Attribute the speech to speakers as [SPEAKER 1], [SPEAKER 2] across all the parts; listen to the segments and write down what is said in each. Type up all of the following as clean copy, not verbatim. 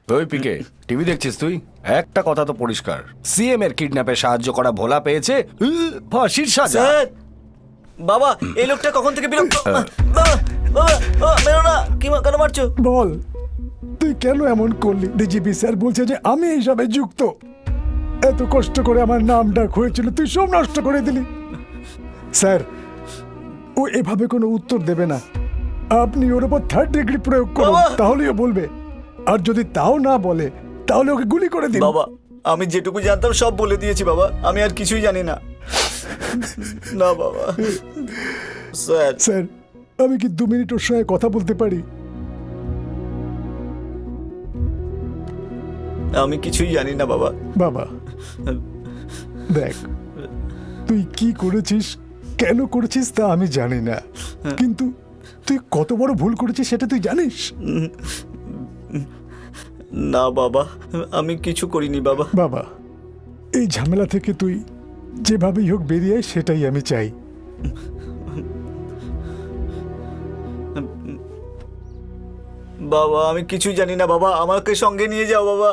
[SPEAKER 1] ওই পিকে টিভি দেখছিস তুই? একটা কথা তো পরিষ্কার, সিএম এর কিডন্যাপে সাহায্য করা ভোলা পেয়েছে ফাঁসির সাজা।
[SPEAKER 2] স্যার বাবা এই লোকটা কখন থেকে বিরক্ত। বাবা বাবা মেরো না, কি কেন মারছো?
[SPEAKER 3] বল তুই কেন এমন করলি? ডিজিপি স্যার বলছে যে আমি এইসবে যুক্ত। এত কষ্ট করে আমার নাম ডাক হয়েছিল, তুই সব নষ্ট করে দিলি। স্যার ও এভাবে কোনো উত্তর দেবে না, আপনি ওর উপর 3rd ডিগ্রি প্রয়োগ করুন,
[SPEAKER 2] বাবা!
[SPEAKER 3] তাহলেই ও বলবে। আর যদি তাও না বলে তাহলে ওকে গুলি করে দিন।
[SPEAKER 2] বাবা আমি যেটুকু জানতাম সব বলে দিয়েছি বাবা, আমি আর কিছুই জানি না। না বাবা। স্যার
[SPEAKER 3] স্যার আমি কি 2 মিনিট ওর সঙ্গে কথা বলতে পারি?
[SPEAKER 2] আমি কিছুই জানি না বাবা।
[SPEAKER 3] বাবা দেখ, তুই কি করেছিস, কেন করেছিস তা আমি জানি না, কিন্তু তুই কত বড় ভুল করেছিস সেটা তুই জানিস।
[SPEAKER 2] না বাবা আমি কিছু করিনি বাবা।
[SPEAKER 3] বাবা এই ঝামেলা থেকে তুই যেভাবেই হোক বেরিয়ে আয়, সেটাই আমি চাই।
[SPEAKER 2] বাবা আমি কিছুই জানি না বাবা, আমাকে সঙ্গে নিয়ে যাও বাবা।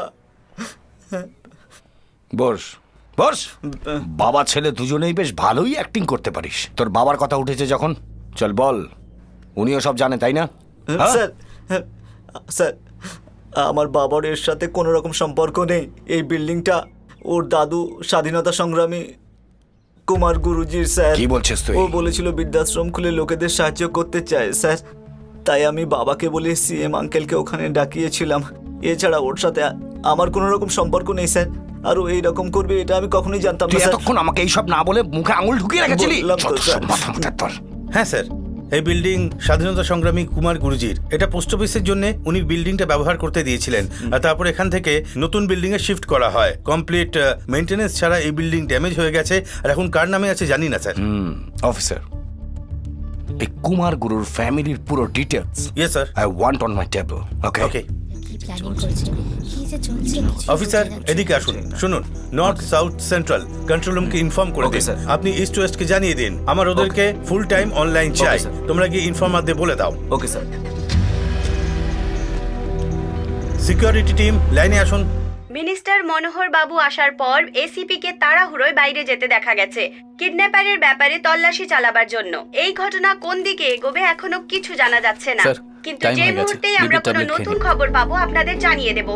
[SPEAKER 1] বস বস, বাবা ছেলে দুজনেই বেশ ভালোই অ্যাক্টিং করতে পারিস। তোর বাবার কথা উঠেছে যখন, চল বল। উনিও সব জানে তাই না? হ্যাঁ?
[SPEAKER 2] স্যার স্যার আমার বাবার এর সাথে কোনো রকম সম্পর্ক নেই। এই বিল্ডিংটা ওর দাদু স্বাধীনতা সংগ্রামী কুমার গুরুজির স্যার।
[SPEAKER 1] কি বলছিস তুই?
[SPEAKER 2] ও বলেছিল বৃদ্ধাশ্রম খুলে লোকেদের সাহায্য করতে চায় স্যার, তাই আমি বাবাকে বলে সিএম আঙ্কেলকে ওখানে ডাকিয়েছিলাম। এছাড়া ওর সাথে আমার কোনো রকম সম্পর্ক নেই স্যার, আর ও এইরকম করবে এটা আমি কখনোই জানতাম
[SPEAKER 1] তুই
[SPEAKER 2] না স্যার।
[SPEAKER 1] এতক্ষণ আমাকে এইসব না বলে মুখে আঙুল ঢুকিয়ে রেখেছিলি।
[SPEAKER 2] বললাম তো,
[SPEAKER 1] যত
[SPEAKER 2] স্যার।
[SPEAKER 1] সব মাথা মাথার তোর।
[SPEAKER 4] হ্যাঁ স্যার, এই বিল্ডিং স্বাধীনতা সংগ্রামী কুমার গুরুজির। এটা পোস্ট অফিসের জন্য উনি বিল্ডিংটা ব্যবহার করতে দিয়েছিলেন, আর তারপর এখান থেকে নতুন বিল্ডিং এ শিফট করা হয়। কমপ্লিট মেইনটেনেন্স ছাড়া এই বিল্ডিং ড্যামেজ হয়ে গেছে, আর এখন কার নামে আছে জানি না স্যার।
[SPEAKER 1] অফিসার, এই কুমার গুরুর ফ্যামিলির পুরো details
[SPEAKER 4] yes sir.
[SPEAKER 1] I want on my table. Okay
[SPEAKER 4] okay
[SPEAKER 5] কি প্ল্যানিং করছে, কি যে চলছে কিছু
[SPEAKER 4] অফিসার,
[SPEAKER 5] বোঝা যাচ্ছে
[SPEAKER 4] এদিকে আসুন। শুনুন, নর্থ সাউথ সেন্ট্রাল কন্ট্রোল রুমকে ইনফর্ম করে
[SPEAKER 2] Okay,
[SPEAKER 4] দিন।
[SPEAKER 2] sir.
[SPEAKER 4] আপনি ইস্ট ওয়েস্টকে জানিয়ে দিন। আমার ওদেরকে ফুল টাইম অনলাইন চাই।
[SPEAKER 2] sir.
[SPEAKER 4] তোমরা গিয়ে ইনফর্মারদের বলে দাও।
[SPEAKER 2] Okay sir.
[SPEAKER 4] সিকিউরিটি টিম লাইনে আসুন।
[SPEAKER 6] মিনিস্টার মনোহর বাবু আসার পর এসিপি কে তাড়াহুড়োয় বাইরে যেতে দেখা গেছে কিডন্যাপারের ব্যাপারে তল্লাশি চালাবার জন্য। এই ঘটনা কোন দিকে এগোবে এখনো কিছু জানা যাচ্ছে না,
[SPEAKER 7] স্যার,
[SPEAKER 6] কিন্তু
[SPEAKER 7] time
[SPEAKER 6] যে
[SPEAKER 7] হয়ে গেছে।
[SPEAKER 6] মুহূর্তেই আমরা
[SPEAKER 7] বিপির
[SPEAKER 6] কোনো
[SPEAKER 7] tablet খেয়ে
[SPEAKER 6] নতুন
[SPEAKER 7] নিন।
[SPEAKER 6] খবর পাবো আপনাদের জানিয়ে দেব।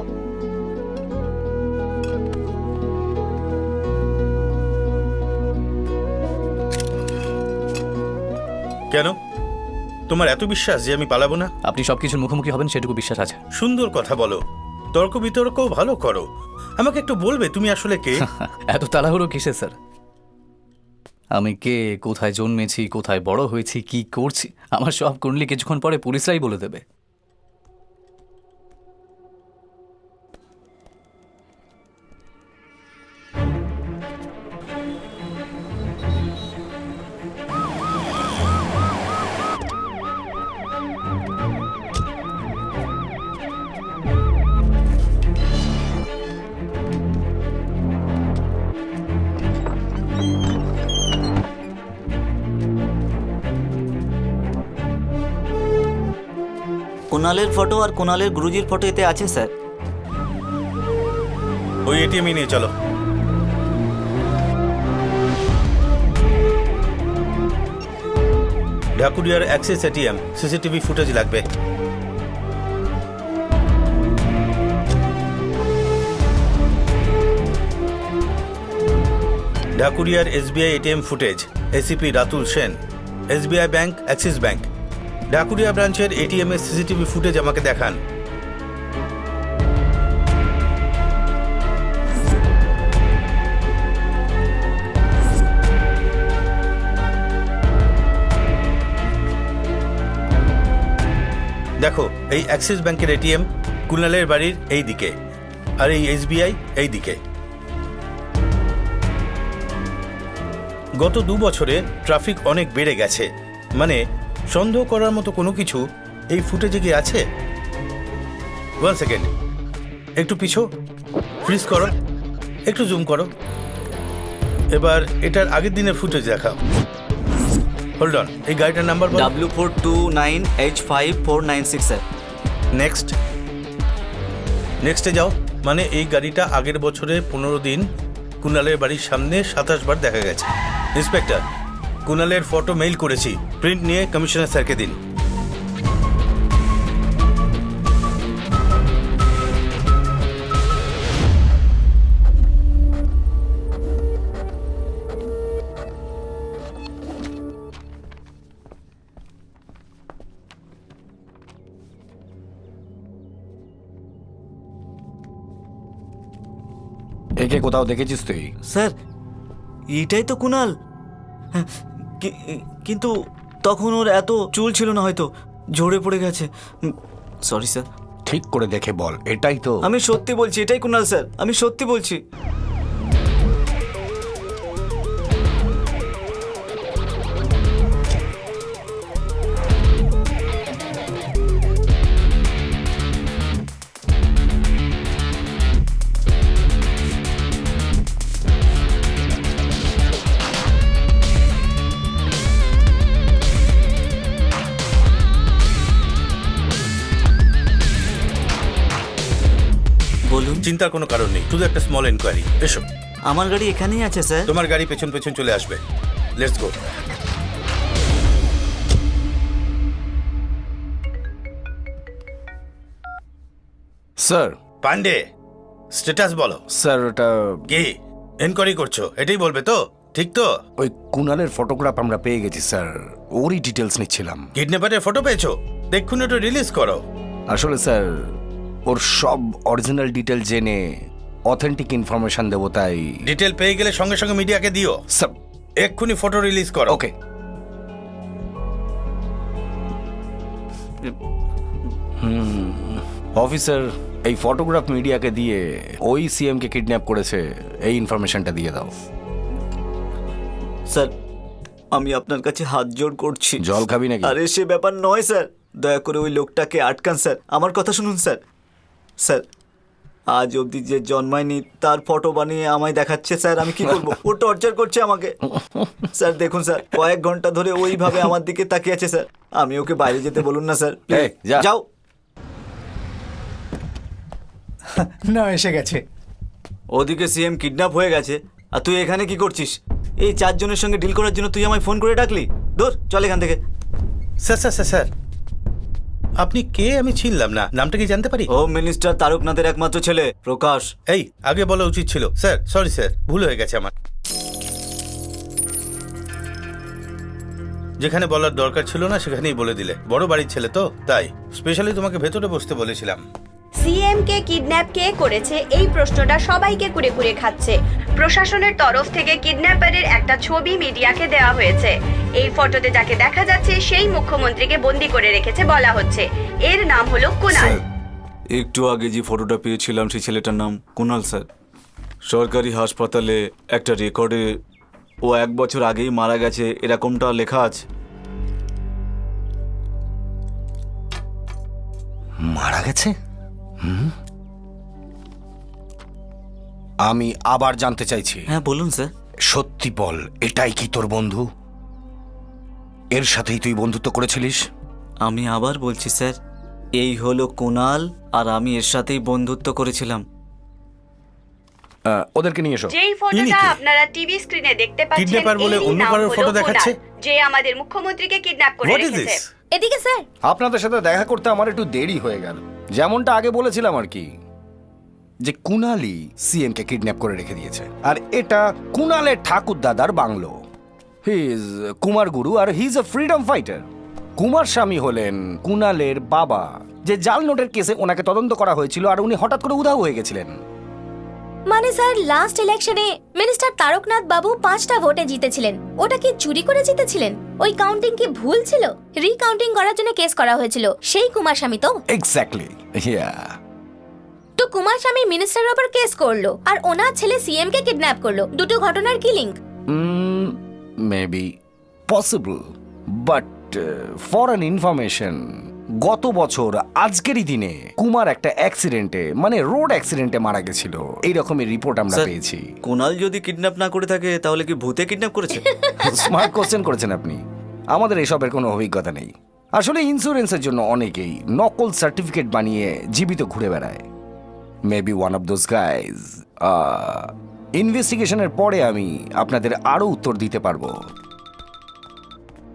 [SPEAKER 4] কেন তোমার এত বিশ্বাস যে আমি পালাবো না?
[SPEAKER 7] আপনি সবকিছুর মুখোমুখি হবেন সেটুকু বিশ্বাস আছে।
[SPEAKER 4] সুন্দর কথা বলো, তর্ক বিতর্কও ভালো করো। আমাকে একটু বলবে তুমি আসলে কে?
[SPEAKER 7] এত তাড়াহুড়ো কিসে স্যার? আমি কে, কোথায় জন্মেছি, কোথায় বড় হয়েছি, কি করছি, আমার সব কুণ্ডলি কিছুক্ষণ পরে পুলিশরাই বলে দেবে।
[SPEAKER 2] কুণালের ফটো আর কুণালের গুরুজির ফটো এতে আছে স্যার।
[SPEAKER 4] ওই এটিএম নিয়ে চলো। ঢাকুরিয়ার অ্যাক্সেস এটিএম সিসিটিভি ফুটেজ লাগবে। ঢাকুরিয়ার SBI ATM footage, ACP Ratul Sen, SBI bank, Axis bank. Dhakuria ব্রাঞ্চের এটিএম এর সিসিটিভি ফুটেজ আমাকে দেখান। দেখো, এই অ্যাক্সিস ব্যাংকের এটিএম কুনালের বাড়ির এই দিকে, আর এই এসবিআই এই দিকে। গত 2 বছরে ট্রাফিক অনেক বেড়ে গেছে, মানে সন্দেহ করার মতো কোনো কিছু এই ফুটেজে কি আছে? 1 সেকেন্ড, একটু পিছো, ফ্রিজ করো, একটু জুম করো। এবার এটার আগের দিনের ফুটেজ দেখাও। হোল্ড অন, এই গাড়িটার নাম্বার বলো।
[SPEAKER 2] W429H5496 sir.
[SPEAKER 4] নেক্সট, নেক্সটে যাও। মানে এই গাড়িটা আগের বছরে 15 দিন কুনালের বাড়ির সামনে 27 বার দেখা গেছে। ইন্সপেক্টর, কুনালের ফটো মেইল করেছি, প্রিন্ট নিয়ে কমিশনার স্যারকে দিন।
[SPEAKER 1] একে কোথাও দেখেছিস তুই?
[SPEAKER 2] স্যার এইটাই তো কুনাল। হ্যাঁ, কিন্তু তখন ওর এত চুল ছিল না, হয়তো ঝরে পড়ে গেছে। Sorry sir.
[SPEAKER 1] ঠিক করে দেখে বল, এটাই তো?
[SPEAKER 2] আমি সত্যি বলছি, এটাই কুনাল স্যার, আমি সত্যি বলছি। বলুন।
[SPEAKER 4] চিন্তার কোনো কারণ নেই, শুধু একটা স্মল এনকোয়ারি। এসো।
[SPEAKER 2] আমার গাড়ি এখানেই আছে স্যার।
[SPEAKER 4] তোমার গাড়ি পেছন পেছন চলে আসবে। Let's go.
[SPEAKER 1] Sir,
[SPEAKER 4] Pandey, status বলো।
[SPEAKER 1] স্যার ওটা
[SPEAKER 4] কি এনকোয়ারি করছো? এটাই বলবে তো? ঠিক তো?
[SPEAKER 1] ওই কুনালের ফটোগ্রাফ আমরা পেয়ে গেছি স্যার, ওরই ডিটেলস নিচ্ছিলাম।
[SPEAKER 4] কিডন্যাপারের ফটো পেয়েছো? দেখুন ওটা রিলিজ করো।
[SPEAKER 1] আসলে স্যার ওর সব অরিজিনাল ডিটেল জেনে অথেন্টিক ইনফরমেশন দেবো, তাই।
[SPEAKER 4] ডিটেল পেয়ে গেলে সঙ্গে সঙ্গে মিডিয়াকে দিও।
[SPEAKER 1] স্যার
[SPEAKER 4] এক্ষুনি ফটো রিলিজ করো।
[SPEAKER 1] ওকে। অফিসার, এই ফটোগ্রাফ মিডিয়াকে দিয়ে ওই সিএম কে কিডন্যাপ করেছে এই ইনফরমেশনটা দিয়ে দাও।
[SPEAKER 2] স্যার আমি আপনার কাছে হাত জোড় করছি।
[SPEAKER 1] জল খাবি নাকি?
[SPEAKER 2] আরে সে ব্যাপার নয় স্যার, দয়া করে ওই লোকটাকে আটকান স্যার, আমার কথা শুনুন স্যার। স্যার আজ অবধি যে জন্মায়নি তার ফটো বানিয়ে আমায় দেখাচ্ছে স্যার, আমি কি করবো? ও টর্চার করছে আমাকে স্যার। দেখুন স্যার, কয়েক ঘন্টা ধরে ওইভাবে আমার দিকে তাকিয়ে আছে স্যার। আমি ওকে বাইরে যেতে বলুন না স্যার,
[SPEAKER 1] এই, যা।
[SPEAKER 2] যাও।
[SPEAKER 3] না, এসে গেছে।
[SPEAKER 2] ওদিকে সিএম কিডন্যাপ হয়ে গেছে আর তুই এখানে কি করছিস? এই 4 জনের সঙ্গে ডিল করার জন্য তুই আমায় ফোন করে ডাকলি? দূর চল এখান থেকে।
[SPEAKER 4] স্যার স্যার স্যার স্যার, আপনি কে? আমি চিনলাম না, নামটা কি জানতে পারি?
[SPEAKER 2] হোম মিনিস্টার তারকনাথের একমাত্র ছেলে প্রকাশ।
[SPEAKER 4] এই আগে বলা উচিত ছিল। স্যার সরি স্যার, ভুল হয়ে গেছে আমার। যেখানে বলার দরকার ছিল না সেখানেই বলে দিলে। বড় বাড়ির ছেলে তো, তাই স্পেশালি তোমাকে ভেতরে বসতে বলেছিলাম।
[SPEAKER 6] সিএম কে কিডন্যাপ কে করেছে এই প্রশ্নটা সবাইকে কুরে কুরে খাচ্ছে। প্রশাসনের তরফ থেকে কিডন্যাপারের একটা ছবি মিডিয়াকে দেওয়া হয়েছে। এই ফটোতে যাকে দেখা যাচ্ছে সেই মুখ্যমন্ত্রীকে বন্দি করে রেখেছে বলা হচ্ছে। এর নাম হলো কুনাল।
[SPEAKER 2] একটু আগে যে ফটোটা পেয়েছিলাম সেই ছেলেটার নাম কুনাল স্যার। সরকারি হাসপাতালে একটা রেকর্ডে ও 1 বছর আগেই মারা গেছে এরকমটা লেখা আছে।
[SPEAKER 1] মারা গেছে? আমি আবার জানতে চাইছি।
[SPEAKER 2] হ্যাঁ বলুন স্যার।
[SPEAKER 1] সত্যি বল, এটাই কি তোর বন্ধু? এর সাথেই তুই বন্ধুত্ব করেছিলিস?
[SPEAKER 2] আমি আবার বলছি স্যার, এই হলো কুনাল আর আমি এর সাথেই বন্ধুত্ব করেছিলাম।
[SPEAKER 1] ওদেরকে নিয়ে এসো।
[SPEAKER 6] যেই
[SPEAKER 4] ইনি
[SPEAKER 6] ফটোটা
[SPEAKER 4] কে?
[SPEAKER 6] আপনারা টিভি স্ক্রিনে দেখতে পাচ্ছেন,
[SPEAKER 4] Kidnapper বলে
[SPEAKER 6] এরই
[SPEAKER 4] অন্য
[SPEAKER 6] নাম
[SPEAKER 4] কারোর
[SPEAKER 6] হলো
[SPEAKER 4] photo দেখাচ্ছে?
[SPEAKER 6] কুনাল, যে আমাদের মুখ্যমন্ত্রীকে কিডন্যাপ করে
[SPEAKER 4] হোয়াট ইজ
[SPEAKER 6] রেখেছে।
[SPEAKER 4] দিস?
[SPEAKER 5] এদিকে স্যার।
[SPEAKER 1] আপনাদের সাথে দেখা করতে আমার একটু দেরি হয়ে গেল। যেমনটা আগে বলেছিলাম আর কি, যে কুনালি সিএম কে কিডন্যাপ করে রেখে দিয়েছে। আর এটা কুনালের ঠাকুর দাদার bungalow. He is Kumar Guru আর he is a freedom fighter. Kumar Swami হলেন কুনালের বাবা, যে জাল নোটের কেসে ওনাকে তদন্ত করা হয়েছিল আর উনি হঠাৎ করে উধাও হয়ে গেছিলেন।
[SPEAKER 5] মানে স্যার লাস্ট ইলেকশনে মিনিস্টার তারকনাথ বাবু 5টা ভোটে জিতেছিলেন। ওটা কি চুরি করে জিতেছিলেন? ওই কাউন্টিং কি ভুল ছিল? রিকাউন্টিং করার জন্য কেস করা হয়েছিল সেই কুমার স্বামী তো।
[SPEAKER 1] Exactly, yeah.
[SPEAKER 5] তো কুমার স্বামী মিনিস্টারের উপর কেস করলো আর ওনার ছেলে সিএম কে কিডন্যাপ করলো। দুটো ঘটনার কি link?
[SPEAKER 1] Maybe possible, but for an information, গত বছর আজকেরই দিনে কুমার একটা অ্যাক্সিডেন্টে, মানে রোড অ্যাক্সিডেন্টে মারা গেছিল। এই রকমের রিপোর্ট আমরা
[SPEAKER 2] স্যার,
[SPEAKER 1] পেয়েছি।
[SPEAKER 2] কুনাল যদি কিডন্যাপ না করে থাকে তাহলে কি ভূতে কিডন্যাপ করেছে?
[SPEAKER 1] স্মার্ট কোশ্চেন করেছেন আপনি। আমাদের এসবের কোনো অভিজ্ঞতা নেই। আসলে ইন্স্যুরেন্সের জন্য অনেকেই নকল সার্টিফিকেট বানিয়ে জীবিত ঘুরে বেড়ায়। Maybe one of those guys. ইনভেস্টিগেশনের পরে আমি আপনাদের আরও উত্তর দিতে পারবো।